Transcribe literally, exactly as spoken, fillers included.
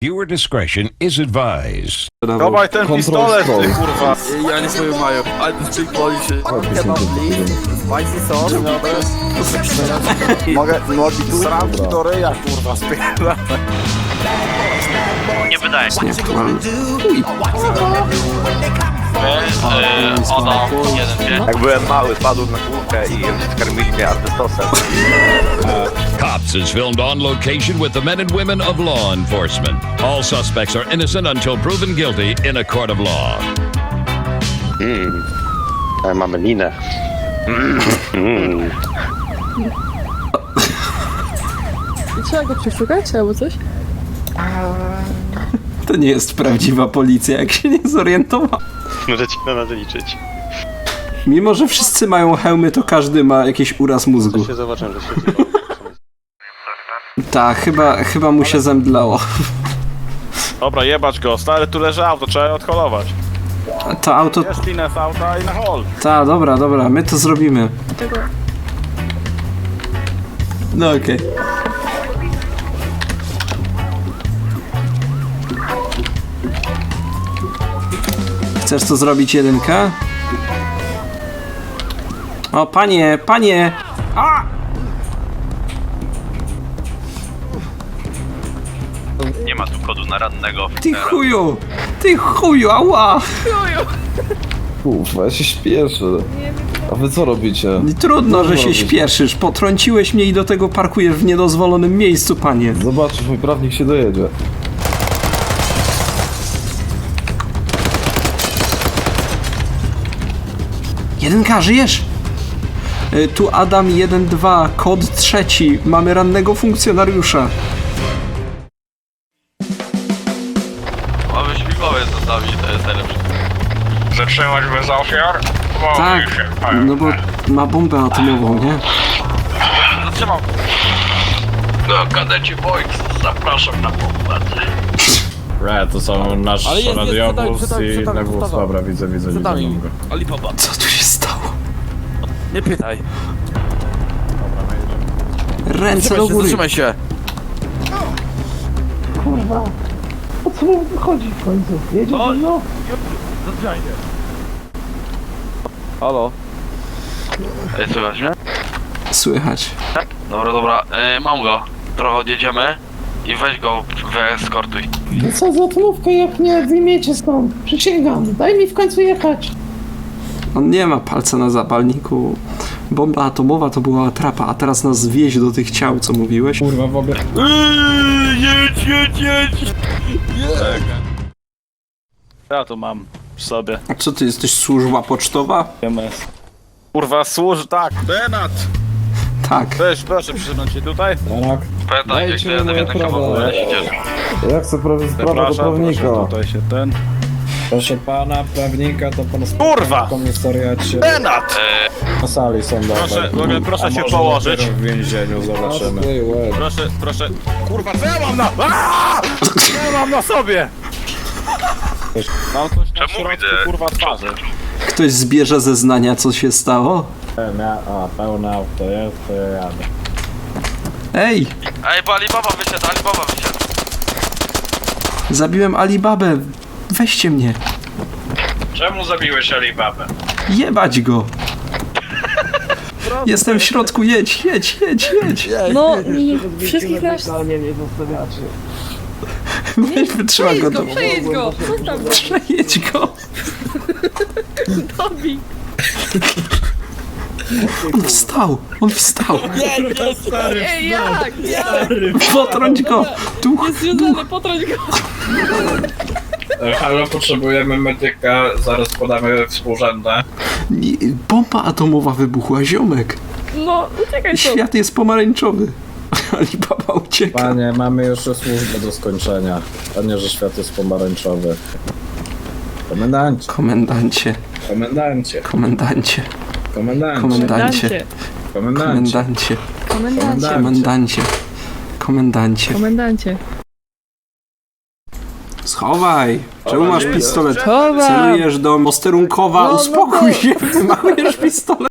Viewer discretion is advised. Dawaj ten pistolet, ty kurwa! Ja nie swoją mają, ale ty boli się. Spicy sauce, Mogę, nogi tu sramki do ryja, kurwa, spierdolę. Nie wydaje się. Yy, ono, jeden, dwie. Jak byłem mały, padł na kółkę i skarmili mnie artystosem. Cops is filmed on location with the men and women of law enforcement. All suspects are innocent until proven guilty in a court of law. Mmm, mamy linę. Mm. Trzeba go przeszukać albo coś? To nie jest prawdziwa policja, jak się nie zorientował. Możecie na nas liczyć. Mimo, że wszyscy mają hełmy, to każdy ma jakiś uraz mózgu. To się zobaczę, że się Tak, chyba, chyba mu się zemdlało. Dobra, jebać go, stary, tu leży auto, trzeba je odholować. To auto... Jest linę z auta i na hol. Ta, dobra, dobra, my to zrobimy. Tego. No okej. Chcesz to zrobić jedynka? O, panie, panie! A! Nie ma tu kodu na rannego. Ty chuju! Ty chuju, ała! Kurwa, ja się śpieszę. A wy co robicie? Trudno, że się robić? śpieszysz. Potrąciłeś mnie i do tego parkujesz w niedozwolonym miejscu, panie. Zobaczysz, mój prawnik się dojedzie. Jedynka, żyjesz? Y, Tu Adam jeden dwa, kod trzeci. Mamy rannego funkcjonariusza. Mamy śmigłowiec zostawi, to jest najlepsze. Zatrzymać bez ofiar? Bo Tak, się, no bo ma bombę atomową, nie? Zatrzymam. No, kadeci Boys, zapraszam na pokład. Re, to są nasz Ale jest, jest, radiowóz przed nami, i przed nami, inny wóz. przed nami. Dobra, widzę, widzę, Przed widzę. nami. Dobra. Alibaba. Co tu się stało? Nie pytaj. Ręce do Zatrzymaj się, góry. zatrzymaj się. o co mu chodzi w końcu? Jedzie O! no. Zatrzymaj się. Halo? Ej, słychać mnie? Słychać. Dobra, dobra, e, mam go. Trochę odjedziemy i weź go, wyeskortuj. No co za atomówkę, jak nie wyjmiecie stąd? Przysięgam, daj mi w końcu jechać. On nie ma palca na zapalniku. Bomba atomowa to była atrapa, a teraz nas wieź do tych ciał, co mówiłeś. Kurwa, w ogóle... Jedź, jedź, jedź! Ja to mam przy sobie. A co ty jesteś, służba pocztowa? M S. Kurwa, służ, tak. Benat! Tak. Weź, proszę przysunąć się tutaj. Tak. Pamiętaj, jak Dajcie to mi jeden moje prawa. samochód jedziesz. Ja chcę prawie sprawę do Zapraszam, proszę prawnika. tutaj się ten... Proszę pana, prawnika, to pan Kurwa! w komisariacie. Benat! Na sali sądowej. Proszę, mogę- proszę A się może położyć? dopiero w więzieniu zobaczymy. Ej, łeb. Proszę, proszę. Kurwa, co ja mam na... Aaaa! Co ja mam na sobie? Mam coś na Czemu środku, widzę? kurwa, twarzy. Ktoś zbierze zeznania, co się stało? A, pełne auto jest, to ja jadę. Ej, Ej, bo Alibaba wysiadł, Alibaba wysiadł. zabiłem Alibabę. Weźcie mnie. Czemu zabiłeś Alibabę? Jebać go. Jestem w środku, jedź, jedź, jedź, jedź. No, nie, wszystkich nas... Nie, nie zostawiacie. Weź, wytrzymaj go. Przejedź go, do- przejedź go! Zostaw go! Przejedź go. Dobij! On wstał, on wstał. Ej, jak? Jak? Potrąć go. Duch, Jest związany, potrąć go! Halo, potrzebujemy medyka, zaraz podamy współrzędne. nie, bomba atomowa wybuchła, ziomek. No, uciekaj stąd! Świat jest pomarańczowy. Alibaba ucieka. Panie, mamy jeszcze służbę do skończenia. A nie, że świat jest pomarańczowy. Komendancie, Komendancie, komendancie, komendancie, komendancie, komendancie, komendancie. komendancie, Komendancie! komendancie, komendancie. Komendancie! Schowaj! Czemu masz pistolet? Chowam! Celujesz do posterunkowa, No, no uspokój to- się, wymachujesz pistolet.